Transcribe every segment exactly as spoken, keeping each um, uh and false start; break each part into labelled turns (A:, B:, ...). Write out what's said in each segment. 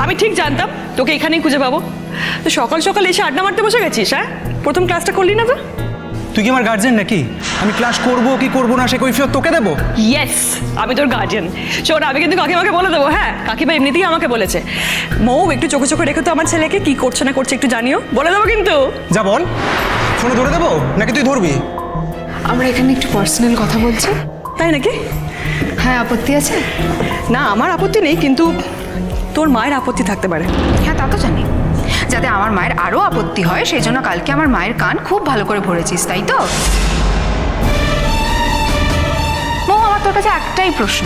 A: আমি ঠিক জানতাম তোকে এখানেই খুঁজে পাবো। তো সকাল সকাল এসে আড্ডা মারতে বসে গেছিস? হ্যাঁ, প্রথম ক্লাসটা করলি না তো?
B: তুই কি আমার গার্জেন নাকি? আমি ক্লাস করবো কি করবো না সে কৈফিয়ত তোকে দেবো?
A: ইয়েস, আমি তোর গার্জিয়ান। শোন, আমি কিন্তু কাকিমাকে বলে দেবো। হ্যাঁ, কাকিমা এমনিতেই আমাকে বলেছে, মৌ একটু চোখে চোখে রেখে তো আমার ছেলেকে, কি করছে না করছে একটু জানিও, বলে দেবো কিন্তু।
B: যা বল, ফোনে ধরে দেবো নাকি তুই ধরবি?
C: আমরা এখানে একটু পার্সোনাল কথা বলছি।
A: তাই নাকি?
C: হ্যাঁ, আপত্তি আছে?
A: না, আমার আপত্তি নেই, কিন্তু তোর মায়ের আপত্তি থাকতে পারে।
C: হ্যাঁ, তা তো জানি। যাতে আমার মায়ের আরও আপত্তি হয় সেই জন্য কালকে আমার মায়ের কান খুব ভালো করে ভরেছিস, তাই তো? মৌ, আমার তোর কাছে একটাই প্রশ্ন।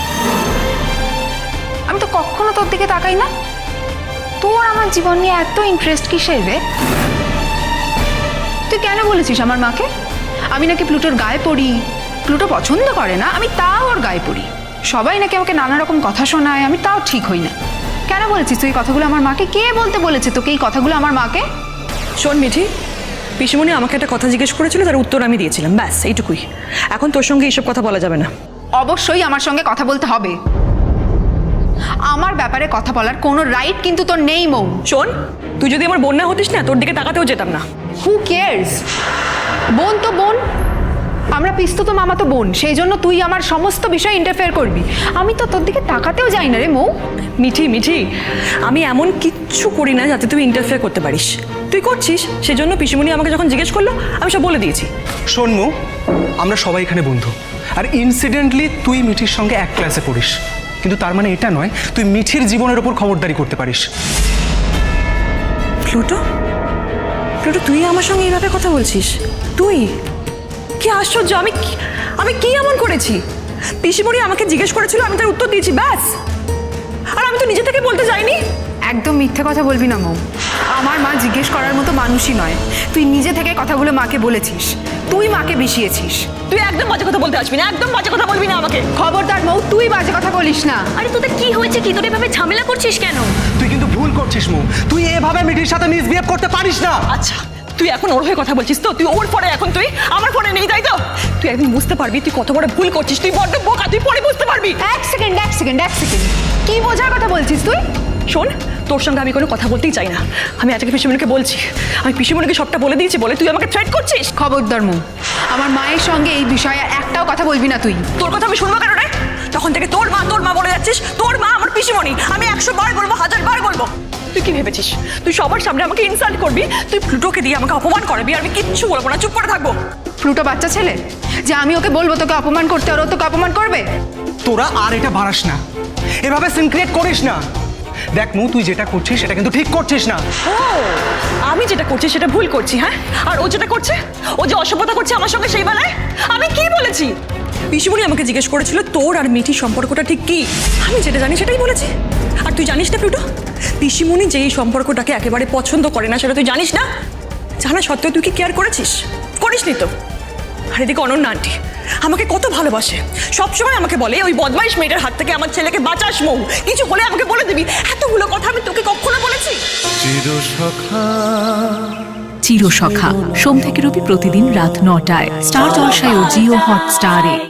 C: আমি তো কখনো তোর দিকে তাকাই না, তোর আমার জীবন নিয়ে এত ইন্টারেস্ট কিসের রে? তুই কেন বলেছিস আমার মাকে আমি নাকি প্লুটোর গায়ে পড়ি? প্লুটো পছন্দ করে না, আমি তাও ওর গায়ে পড়ি। সবাই নাকি আমাকে নানা রকম কথা শোনায়, আমি তাও ঠিক হই না। কেন বলেছিস তুই এই কথাগুলো আমার মাকে? কে বলতে বলেছে তোকে এই কথাগুলো আমার মাকে?
A: শোন মিঠি, পিসিমণি আমাকে একটা কথা জিজ্ঞেস করেছিল, তার উত্তর আমি দিয়েছিলাম, ব্যাস এইটুকুই। এখন তোর সঙ্গে এইসব কথা বলা যাবে না।
C: অবশ্যই আমার সঙ্গে কথা বলতে হবে। আমার ব্যাপারে কথা বলার কোনো রাইট কিন্তু তোর নেই মৌ।
A: শোন, তুই যদি আমার বোন না হতিস না, তোর দিকে তাকাতেও যেতাম না।
C: Who cares? বোন তো বোন, আমরা পিস্তত মামা তো বোন, সেই জন্য তুই আমার সমস্ত বিষয়ে ইন্টারফেয়ার করবি? আমি তো তোর দিকে তাকাতেও যাই না রে মৌ।
A: মিঠি মিঠি, আমি এমন কিচ্ছু করি না যাতে তুই ইন্টারফেয়ার করতে পারিস। তুই করছিস, সেজন্য পিসিমণি আমাকে যখন জিজ্ঞেস করলো আমি সব বলে দিয়েছি।
B: শোন মৌ, আমরা সবাই এখানে বন্ধু, আর ইনসিডেন্টলি তুই মিঠির সঙ্গে এক ক্লাসে পড়িস, কিন্তু তার মানে এটা নয় তুই মিঠির জীবনের ওপর খবরদারি করতে পারিস।
A: প্লুটো, প্লুটো তুই আমার সঙ্গে এইভাবে কথা বলছিস? তুই কি আশ্চর্য! আমি কি- আমি কি এমন করেছি? পিসিমণি আমাকে জিজ্ঞেস করেছিল, আমি তার উত্তর দিয়েছি, ব্যাস। আর আমি তো নিজে থেকে বলতে যাইনি।
C: একদম মিথ্যে কথা বলবি না মৌ। আমার মা জিজ্ঞেস করার মতো মানুষই নয়, তুই নিজে থেকে কথাগুলো মাকে বলেছিস, তুই মাকে বিষিয়েছিস।
A: তুই একদম বাজে কথা বলতে আসবি না, একদম বাজে কথা বলবি না আমাকে।
C: খবরদার মৌ, তুই বাজে কথা বলিস না।
D: আরে তোদের কি হয়েছে? কি তোর এভাবে ঝামেলা করছিস কেন?
B: তুই কিন্তু ভুল করছিস মৌ, তুই এভাবে মিঠির সাথে মিসবিহেভ করতে পারিস না।
A: আচ্ছা, তুই এখন ওর হয়ে কথা বলছিস তো? তুই ওর পরে, এখন তুই আমার ফোনে নেই, তাই তো? তুই একদিন বুঝতে পারবি তুই কত বড় ভুল করছিস। তুই বড্ড বোকা, তুই পরে বুঝতে পারবি।
C: এক সেকেন্ড এক সেকেন্ড এক সেকেন্ড কি বোঝার কথা বলছিস তুই?
A: শোন, তোর সঙ্গে আমি কোনো কথা বলতেই চাই না। আমি আজকে পিসিমণিকে বলছি, আমি পিসিমণিকে সবটা বলে দিয়েছি বলে তুই আমাকে থ্রেট করছিস।
C: খবরদার মৌ, আমার মায়ের সঙ্গে এই বিষয়ে একটাও কথা বলবি না তুই।
A: তোর কথা আমি শুনবো কেন রে? তখন থেকে তোর মা তোর মা বলে যাচ্ছিস, তোর মা আমার পিসিমণি। আমি একশো বার বলবো, হাজার বার বলবো। তুই কি ভেবেছিস তুই সবার সামনে আমাকে ইনসাল্ট করবি? তুই প্লুটোকে দিয়ে আমাকে অপমান করবি, আর আমি কিচ্ছু বলবো না, চুপ করে থাকবো?
C: প্লুটো বাচ্চা ছেলে যে আমি ওকে বলবো তোকে অপমান করতে, আর ও তোকে অপমান করবে?
B: তোরা আর এটা বাড়াস না, এভাবে সিন ক্রিয়েট করিস না। দেখ মৌ, তুই যেটা করছিস সেটা কিন্তু ঠিক করছিস না।
A: ও, আমি যেটা করছি সেটা ভুল করছি, হ্যাঁ? আর ও যেটা করছে, ও যে অসভ্যতা করছে আমার সঙ্গে, সেই বেলায় আমি কি বলেছি? পিসিমণি আমাকে জিজ্ঞেস করেছিল তোর আর মিঠির সম্পর্কটা ঠিক কি, আমি যেটা জানি সেটাই বলেছি। আর তুই জানিস না প্লুটো, পিসিমণি যে এই সম্পর্কটাকে একেবারে পছন্দ করে না, সেটা তুই জানিস না? জানা সত্ত্বেও তুই কি কেয়ার করেছিস? করিসনি তো। আর এদিকে অনন্যা আন্টি আমাকে কত ভালোবাসে, সবসময় আমাকে বলে ওই বদমাইশ মেয়েটার হাত থেকে আমার ছেলেকে বাঁচাস মৌ, কিছু হলে আমাকে বলে দিবি। এতগুলো কথা আমি তোকে কখনো বলেছি?
E: চিরসখা সোম থেকে রবি প্রতিদিন রাত নটায় স্টার জলসায় ও জিও হটস্টারে।